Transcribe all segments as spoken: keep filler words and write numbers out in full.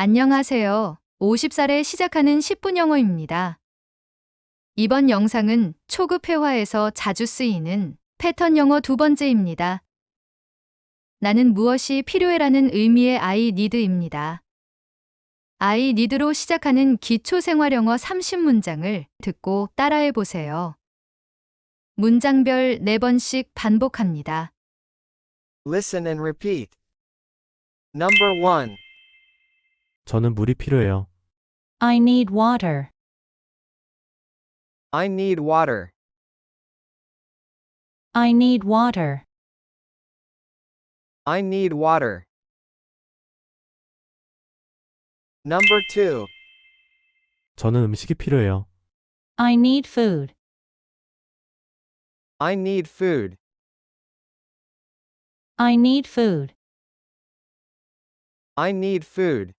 안녕하세요. 오십 살에 시작하는 십 분 영어입니다. 이번 영상은 초급 회화에서 자주 쓰이는 패턴 영어 두 번째입니다. 나는 무엇이 필요해라는 의미의 I need입니다. I need로 시작하는 기초 생활 영어 삼십 문장을 듣고 따라해 보세요. 문장별 네 번씩 반복합니다. Listen and repeat. Number one. 저는 물이 필요해요. I need water. I need water. I need water. I need water. Number two. 저는 음식이 필요해요. I need food. I need food. I need food. I need food.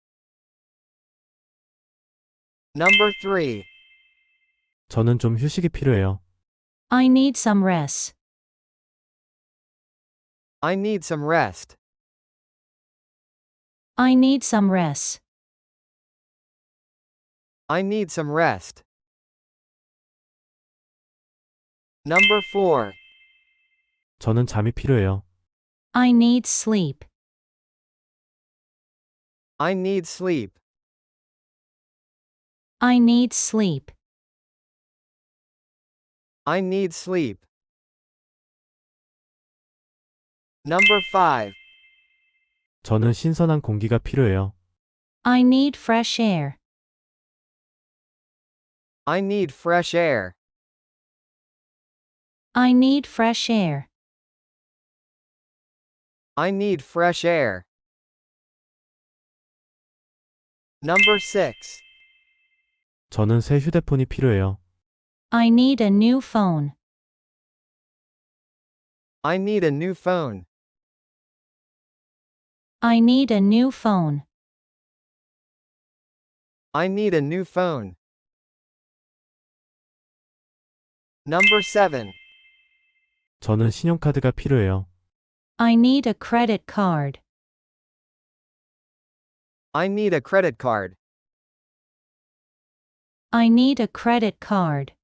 Number three. 저는 좀 휴식이 필요해요. I need some rest. I need some rest. I need some rest. I need some rest. Number four. 저는 잠이 필요해요. I need sleep. I need sleep. I need sleep. I need sleep. Number five. 저는 신선한 공기가 필요해요. I need fresh air. I need fresh air. I need fresh air. I need fresh air. Number six. 저는 새 휴대폰이 필요해요. I need a new phone. I need a new phone. I need a new phone. I need a new phone. Number seven. 저는 신용카드가 필요해요. I need a credit card. I need a credit card. I need a credit card.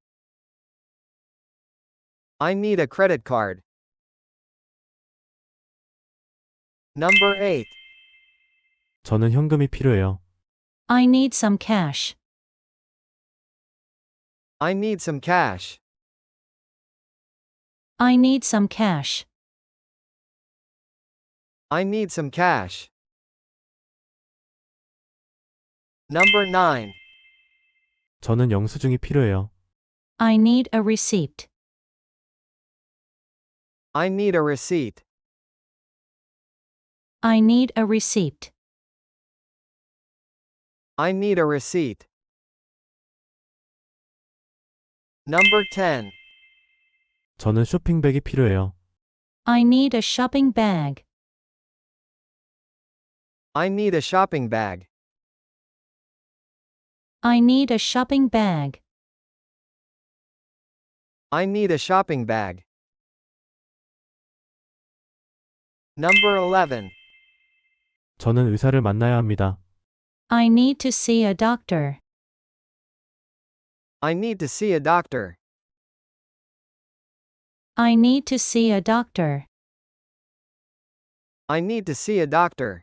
I need a credit card. Number eight. 저는 현금이 필요해요. I need some cash. I need some cash. I need some cash. I need some cash. Number nine. 저는 영수증이 필요해요. I need a receipt. I need a receipt. I need a receipt. I need a receipt. Number ten. 저는 쇼핑백이 필요해요. I need a shopping bag. I need a shopping bag. I need a shopping bag. I need a shopping bag. Number eleven. 저는 의사를 만나야 합니다. I need to see a doctor. I need to see a doctor. I need to see a doctor. I need to see a doctor.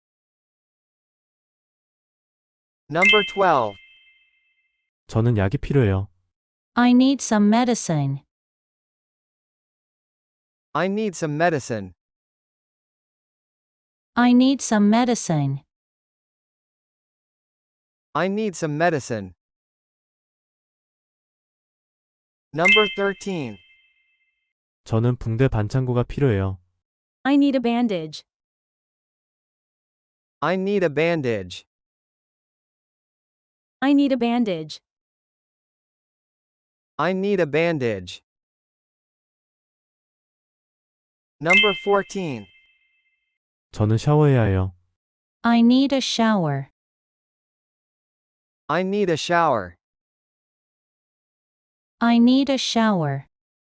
Number twelve. 저는 약이 필요해요. I need some medicine. I need some medicine. I need some medicine. I need some medicine. Number thirteen. 저는 붕대 반창고가 필요해요. I need a bandage. I need a bandage. I need a bandage. I need a bandage. Number fourteen. 저는 샤워해야 해요. I need a shower. I need a shower. I need a shower.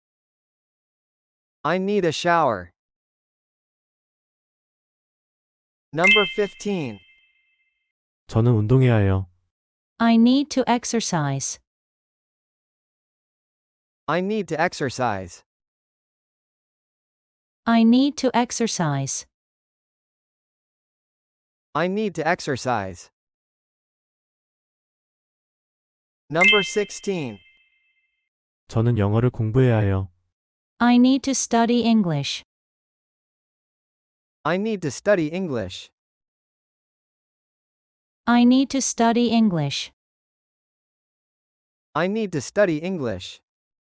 I need a shower. Number fifteen. 저는 운동해야 해요. I need to exercise. I need to exercise. I need to exercise. I need to exercise. Number sixteen. 저는 영어를 공부해야 해요. I need to study English. I need to study English. I need to study English. I need to study English.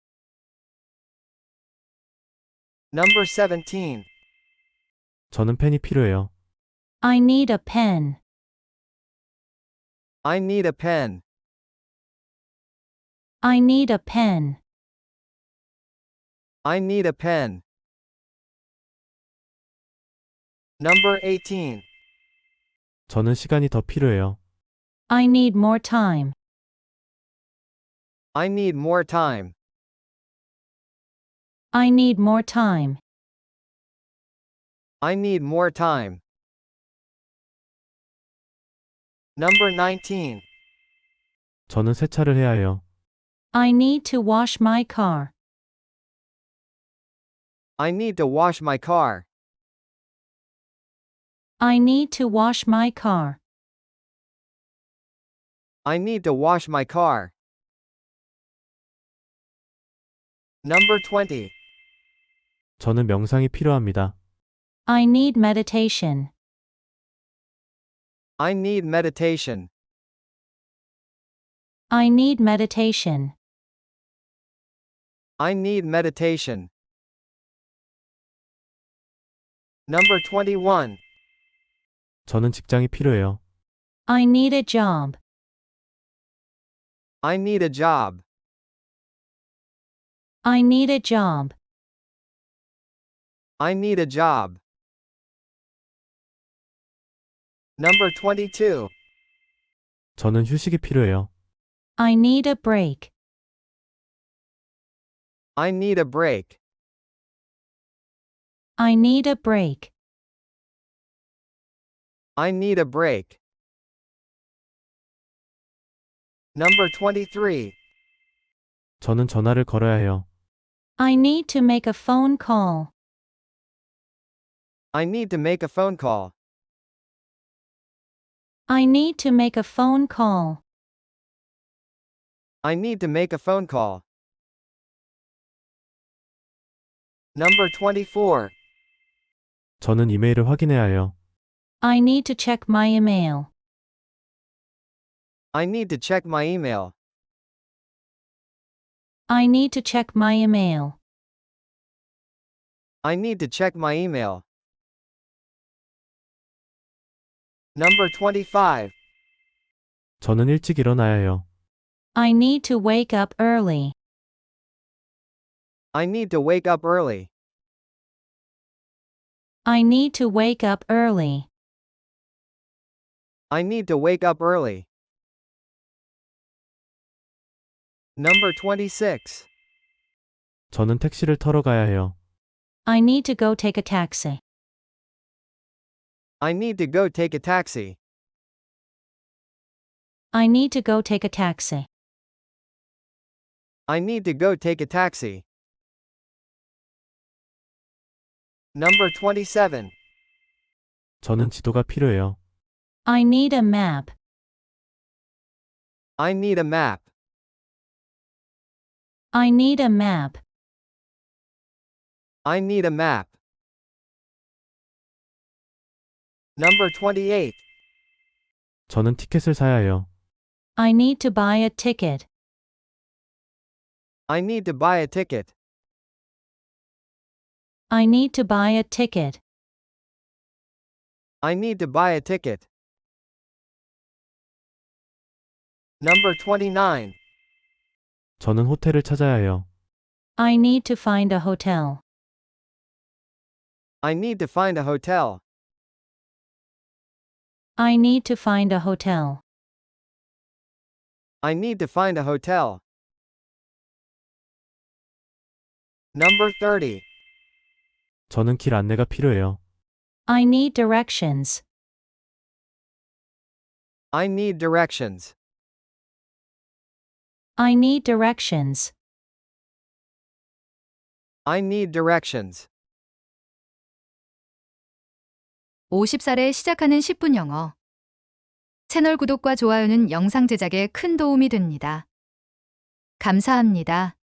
Number seventeen. 저는 펜이 필요해요. I need a pen. I need a pen. I need a pen. I need a pen. Number eighteen. 저는 시간이 더 필요해요. I need more time. I need more time. I need more time. I need more time. Number nineteen. 저는 세차를 해야 해요. I need to wash my car. I need to wash my car. I need to wash my car. I need to wash my car. Number twenty. 저는 명상이 필요합니다. I need meditation. I need meditation. I need meditation. I need meditation. Number twenty-one. 저는 직장이 필요해요. I need a job. I need a job. I need a job. I need a job. Number twenty-two. 저는 휴식이 필요해요. I need a break. I need a break. I need a break. I need a break. Number twenty-three. 저는 전화를 걸어야 해요. I need to make a phone call. I need to make a phone call. I need to make a phone call. I need to make a phone call. Number twenty-four. 저는 이메일을 확인해야 해요. I need to check my email. I need to check my email. I need to check my email. I need to check my email. Number twenty-five. 저는 일찍 일어나야 해요. I need to wake up early. I need to wake up early. I need to wake up early. I need to wake up early. Number twenty-six. 저는 택시를 타러 가야 해요. I need to go take a taxi. I need to go take a taxi. I need to go take a taxi. I need to go take a taxi. Number twenty-seven. 저는 지도가 필요해요. I need a map. I need a map. I need a map. I need a map. Number twenty-eight. 저는 티켓을 사야 해요. I need to buy a ticket. I need to buy a ticket. I need to buy a ticket. I need to buy a ticket. Number twenty-nine. 저는 호텔을 찾아야 해요. I need to find a hotel. I need to find a hotel. I need to find a hotel. I need to find a hotel. Number thirty. 저는 길 안내가 필요해요. I need directions. I need directions. I need directions. I need directions. 오십 살에 시작하는 십 분 영어. 채널 구독과 좋아요는 영상 제작에 큰 도움이 됩니다. 감사합니다.